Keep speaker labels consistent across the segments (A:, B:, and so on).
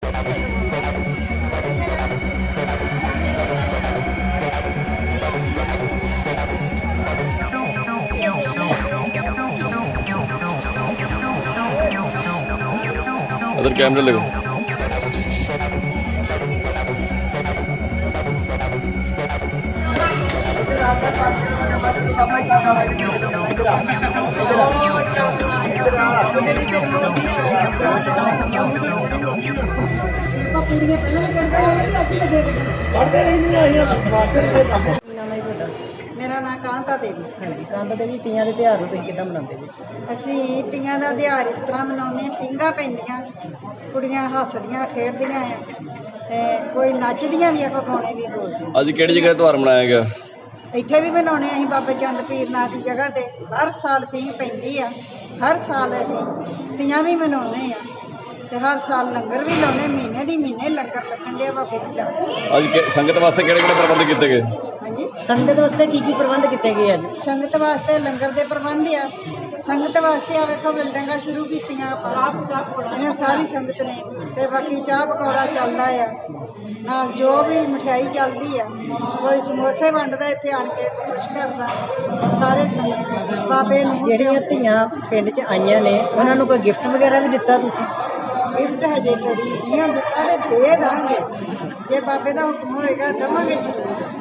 A: Other कैमरे लगे
B: मेरा नाम कांता देवी।
C: हाँ जी, कांता देवी तीयां दे त्योहार नूं तुसीं किद्दां मनाउंदे जी?
B: ਅਸੀਂ ਤੀਆਂ ਦਾ ਤਿਉਹਾਰ ਇਸ ਤਰ੍ਹਾਂ ਮਨਾਉਂਦੇ ਹਾਂ, ਪੀਂਘਾਂ ਪੈਂਦੀਆਂ, ਕੁੜੀਆਂ ਹੱਸਦੀਆਂ ਖੇਡਦੀਆਂ ਆ ਤੇ ਕੋਈ ਨੱਚਦੀਆਂ ਵੀ ਆ, ਕੋਈ ਗਾਣੇ ਵੀ ਬੋਲਦੀਆਂ।
A: ਅੱਜ ਕਿਹੜੀ ਜਗ੍ਹਾ ਤਿਉਹਾਰ ਮਨਾਇਆ ਗਿਆ?
B: ਇੱਥੇ ਵੀ ਮਨਾਉਣੇ ਅਸੀਂ ਬਾਬਾ ਚੰਦ ਪੀਰ ਨਾਥ ਦੀ ਜਗ੍ਹਾ ਤੇ ਹਰ ਸਾਲ ਪੀਂਘ ਪੈਂਦੀ ਆ, ਹਰ ਸਾਲ ਅਸੀਂ ਤੀਆਂ ਵੀ ਮਨਾਉਂਦੇ ਆ ਤੇ ਹਰ ਸਾਲ ਲੰਗਰ ਵੀ ਲਾਉਣੇ, ਮਹੀਨੇ ਦੀ ਮਹੀਨੇ ਲੰਗਰ ਲੱਗਣ ਡਿਆ ਬਾਬੇ ਜੀ ਦਾ।
A: ਅੱਜ ਸੰਗਤ ਵਾਸਤੇ ਕਿਹੜੇ ਕਿਹੜੇ ਪ੍ਰਬੰਧ ਕੀਤੇ ਗਏ?
B: ਹਾਂਜੀ,
C: ਸੰਗਤ ਵਾਸਤੇ ਕੀ ਪ੍ਰਬੰਧ ਕੀਤੇ ਗਏ ਅੱਜ?
B: ਸੰਗਤ ਵਾਸਤੇ ਲੰਗਰ ਦੇ ਪ੍ਰਬੰਧ ਆ। ਸੰਗਤ ਵਾਸਤੇ ਆ ਵੇਖੋ ਬਿਲਡਿੰਗਾਂ ਸ਼ੁਰੂ ਕੀਤੀਆਂ ਆਪਾਂ, ਇਹਨਾਂ ਸਾਰੀ ਸੰਗਤ ਨੇ, ਤੇ ਬਾਕੀ ਚਾਹ ਪਕੌੜਾ ਚੱਲਦਾ ਆ, ਨਾਲ ਜੋ ਵੀ ਮਠਿਆਈ ਚੱਲਦੀ ਆ, ਕੋਈ ਸਮੋਸੇ ਵੰਡਦਾ ਇੱਥੇ ਆਣ ਕੇ, ਕੋਈ ਕੁਛ ਕਰਦਾ, ਸਾਰੇ ਸੰਗਤ ਬਾਬੇ ਨੂੰ।
C: ਜਿਹੜੀਆਂ ਧੀਆਂ ਪਿੰਡ 'ਚ ਆਈਆਂ ਨੇ ਉਹਨਾਂ ਨੂੰ ਕੋਈ ਗਿਫਟ ਵਗੈਰਾ ਵੀ ਦਿੱਤਾ ਤੁਸੀਂ?
B: ਗਿਫਟ ਹਜੇ ਥੋੜੀ ਨਹੀਂ ਦਿੱਤਾ ਤੇ ਦੇ ਦਾਂਗੇ, ਜੇ ਬਾਬੇ ਦਾ ਹੁਕਮ ਹੋਏਗਾ ਦੇਵਾਂਗੇ ਜੀ।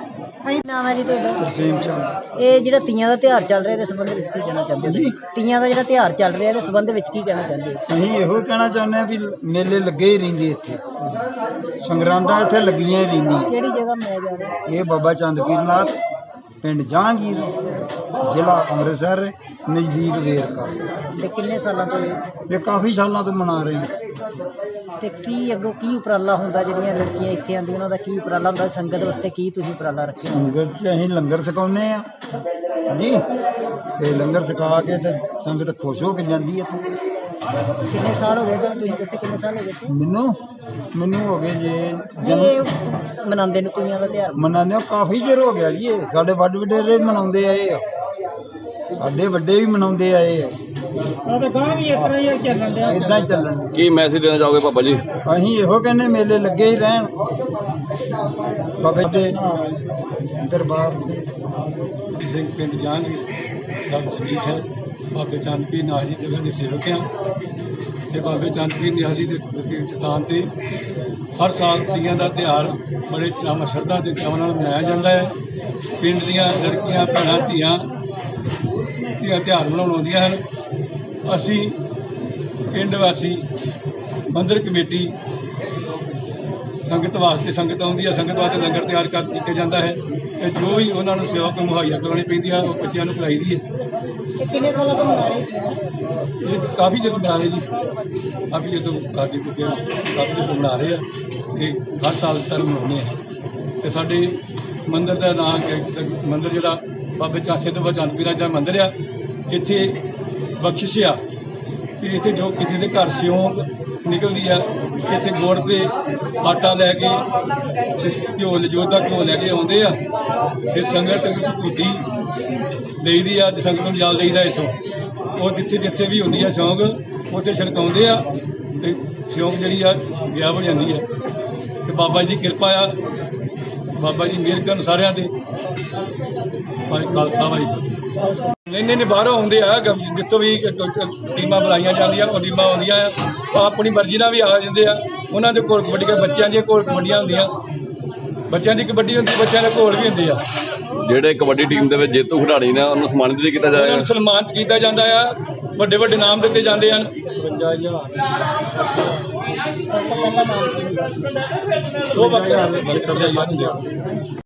C: ਨਾਮ ਹੈ ਜੀ ਤੁਹਾਡਾ?
D: ਤਰਸੇਮ ਚੰਦ।
C: ਇਹ ਜਿਹੜਾ ਤੀਆਂ ਦਾ ਤਿਉਹਾਰ ਚੱਲ ਰਿਹਾ ਇਹਦੇ ਸੰਬੰਧ ਵਿੱਚ ਕੀ ਕਹਿਣਾ ਚਾਹੁੰਦੇ ਹੋ? ਤੀਆਂ ਦਾ ਜਿਹੜਾ ਤਿਉਹਾਰ ਚੱਲ ਰਿਹਾ ਇਹਦੇ ਸੰਬੰਧ ਵਿੱਚ ਕੀ ਕਹਿਣਾ ਚਾਹੁੰਦੇ ਹੋ?
D: ਅਸੀਂ ਇਹੋ ਕਹਿਣਾ ਚਾਹੁੰਦੇ ਹਾਂ ਵੀ ਮੇਲੇ ਲੱਗੇ ਹੀ ਰਹਿੰਦੇ ਇੱਥੇ, ਸੰਗਰਾਂਦਾਂ ਇੱਥੇ ਲੱਗੀਆਂ ਹੀ ਰਹਿੰਦੀਆਂ।
C: ਕਿਹੜੀ ਜਗ੍ਹਾ ਮਨਾਇਆ ਜਾ ਰਿਹਾ?
D: ਇਹ ਬਾਬਾ ਚੰਦ ਪੀਰ ਨਾਥ, ਪਿੰਡ ਜਹਾਂਗੀਰ, ਜ਼ਿਲ੍ਹਾ ਅੰਮ੍ਰਿਤਸਰ, ਨਜ਼ਦੀਕ ਵੇਰਕਾ।
C: ਤੇ ਕਿੰਨੇ ਸਾਲਾਂ ਤੋਂ
D: ਇਹ ਕਾਫੀ ਸਾਲਾਂ ਤੋਂ ਮਨਾ ਰਹੇ ਹਾਂ।
C: ਤੇ ਕੀ ਅੱਗੋਂ ਕੀ ਉਪਰਾਲਾ ਹੁੰਦਾ? ਜਿਹੜੀਆਂ ਲੜਕੀਆਂ ਇੱਥੇ ਆਉਂਦੀਆਂ ਉਹਨਾਂ ਦਾ ਕੀ ਉਪਰਾਲਾ ਹੁੰਦਾ? ਸੰਗਤ ਵਾਸਤੇ ਕੀ ਤੁਸੀਂ ਉਪਰਾਲਾ ਰੱਖਿਆ?
D: ਸੰਗਤ 'ਚ ਅਸੀਂ ਲੰਗਰ ਛਕਾਉਂਦੇ ਹਾਂ ਹਾਂਜੀ, ਤੇ ਲੰਗਰ ਛਕਾ ਕੇ ਤੇ ਸੰਗਤ ਖੁਸ਼ ਹੋ ਕੇ ਜਾਂਦੀ ਹੈ ਇੱਥੇ।
C: ਕਿੰਨੇ ਸਾਲ ਹੋ ਗਏ ਤੁਹਾਨੂੰ? ਤੁਸੀਂ ਦੱਸੋ ਕਿੰਨੇ ਸਾਲ ਹੋ ਗਏ?
D: ਮੈਨੂੰ ਹੋ ਗਏ ਜੇ
C: ਇਹ ਮਨਾਉਂਦੇ ਨੂੰ ਤੀਆਂ ਦਾ ਤਿਉਹਾਰ?
D: ਮਨਾਉਂਦੇ ਕਾਫੀ ਚਿਰ ਹੋ ਗਿਆ ਜੀ। ਇਹ ਸਾਡੇ ਵੱਡ ਵਡੇਰੇ ਮਨਾਉਂਦੇ ਆਏ ਆ, ਸਾਡੇ ਵੱਡੇ ਵੀ ਮਨਾਉਂਦੇ ਆਏ ਆ। ਇਦਾਂ ਹੀ ਚੱਲਣ ਡਿਆ।
A: ਕੀ ਮੈਸੇਜ ਦੇਣਾ ਚਾਹੋਗੇ ਬਾਬਾ ਜੀ?
D: ਅਸੀਂ ਇਹੋ ਕਹਿੰਦੇ ਮੇਲੇ ਲੱਗੇ ਹੀ ਰਹਿਣ ਬਾਬੇ ਦੇ ਦਰਬਾਰ ਤੇ।
E: ਸਿੰਘ ਪਿੰਡ ਜਹਾਂਗੀਰ ਦਾ ਵਸਨੀਕ ਹੈ। ਬਾਬੇ ਚੰਦ ਪੀਰ ਨਾਥ ਜੀ ਦੇ ਸੇਵਕ ਹਾਂ ਤੇ ਬਾਬੇ ਚੰਦ ਪੀਰ ਨਾਥ ਜੀ ਦੇ ਸਥਾਨ ਤੇ ਹਰ ਸਾਲ ਤੀਆਂ ਦਾ ਤਿਉਹਾਰ ਬੜੇ ਚਾਅ ਸ਼ਰਧਾ ਦੇ ਚਾਅ ਨਾਲ ਮਨਾਇਆ ਜਾਂਦਾ ਹੈ। ਪਿੰਡ ਦੀਆਂ ਲੜਕੀਆਂ ਭੈਣਾਂ ਧੀਆਂ ਤਿਉਹਾਰ ਮਨਾਉਣ ਆਉਂਦੀਆਂ ਹਨ। ਅਸੀਂ ਪਿੰਡ ਵਾਸੀ ਮੰਦਰ ਕਮੇਟੀ ਸੰਗਤ ਵਾਸਤੇ, ਸੰਗਤ ਆਉਂਦੀ ਹੈ, ਸੰਗਤ ਵਾਸਤੇ ਲੰਗਰ ਤਿਆਰ ਕੀਤਾ ਜਾਂਦਾ ਹੈ ਤੇ ਜੋ ਵੀ ਉਹਨਾਂ ਨੂੰ ਸੇਵਾ ਮੁਹੱਈਆ ਕਰਵਾਉਣੀ ਪੈਂਦੀ ਆ ਉਹ ਬੱਚਿਆਂ ਨੂੰ ਖਿਲਾਈ ਦੀ ਹੈ।
C: ਇਹ ਕਿੰਨੇ ਸਾਲਾਂ ਤੋਂ ਮਨਾ ਰਹੇ?
E: ਇਹ ਕਾਫੀ ਜਦੋਂ ਬਣਾ ਰਹੇ ਜੀ, ਕਾਫੀ ਜਦੋਂ ਕਾਫੀ ਜਦੋਂ ਬਣਾ ਰਹੇ ਆ ਤੇ ਹਰ ਸਾਲ ਤੱਕ ਮਨਾਉਂਦੇ ਆ। ਤੇ ਸਾਡੇ ਮੰਦਿਰ ਦਾ ਨਾਮ ਮੰਦਿਰ ਜਿਹੜਾ ਬਾਬੇ ਸਿੱਧ ਚੰਦ ਪੀਰ ਦਾ ਮੰਦਿਰ ਆ, ਇੱਥੇ ਬਖਸ਼ਿਸ਼ ਆ ਕਿ ਇੱਥੇ ਜੋ ਕਿਸੇ ਦੇ ਘਰ ਸਿਉਂਕ ਨਿਕਲਦੀ ਆ, ਇੱਥੇ ਗੁੜ ਤੇ ਆਟਾ ਲੈ ਕੇ ਘਿਓ ਲੈ ਕੇ ਆਉਂਦੇ ਆ ਤੇ ਸੰਗਤ ਝੂਠੀ ਲਈਦੀ ਆ, ਸੰਗਤ ਨੂੰ ਜਾਲ ਲਈਦਾ ਇੱਥੋਂ। ਉਹ ਜਿੱਥੇ ਵੀ ਹੁੰਦੀ ਆ ਸਿਉਂਕ ਉੱਥੇ ਛੜਕਾਉਂਦੇ ਆ ਤੇ ਸਿਉਂਕ ਜਿਹੜੀ ਆ ਗਾਇਬ ਹੋ ਜਾਂਦੀ ਆ। ਤੇ ਬਾਬਾ ਜੀ ਦੀ ਕਿਰਪਾ ਆ, ਬਾਬਾ ਜੀ ਮਿਹਰ ਕਰਨ ਸਾਰਿਆਂ ਤੇ। ਖਾਲਸਾ ਵਾਹਿਗੁਰੂ। ਨਹੀਂ ਬਾਹਰੋਂ ਆਉਂਦੇ ਆ, ਜਿੱਥੋਂ ਵੀ ਟੀਮਾਂ ਬੁਲਾਈਆਂ ਜਾਂਦੀਆਂ ਉਹ ਟੀਮਾਂ ਆਉਂਦੀਆਂ ਆ, ਆਪਣੀ ਮਰਜ਼ੀ ਨਾਲ ਵੀ ਆ ਜਾਂਦੇ ਆ। ਉਹਨਾਂ ਦੇ ਕੋਲ ਕਬੱਡੀ ਬੱਚਿਆਂ ਦੀਆਂ ਕੋਲ ਕਬੱਡੀਆਂ ਹੁੰਦੀਆਂ, ਬੱਚਿਆਂ ਦੀ ਕਬੱਡੀ ਹੁੰਦੀ, ਬੱਚਿਆਂ ਦੇ ਕੋਲ ਵੀ ਹੁੰਦੇ ਆ।
A: ਜਿਹੜੇ ਕਬੱਡੀ ਟੀਮ ਦੇ ਵਿੱਚ ਜੇਤੂ ਖਿਡਾਰੀ ਨੇ ਉਹਨੂੰ ਸਨਮਾਨਿਤ ਵੀ ਕੀਤਾ ਜਾਏਗਾ?
E: ਸਨਮਾਨਿਤ ਕੀਤਾ ਜਾਂਦਾ ਆ, ਵੱਡੇ ਨਾਮ ਦਿੱਤੇ ਜਾਂਦੇ ਹਨ।
D: 55,000
E: ਉਹ ਬੱਕਰਾ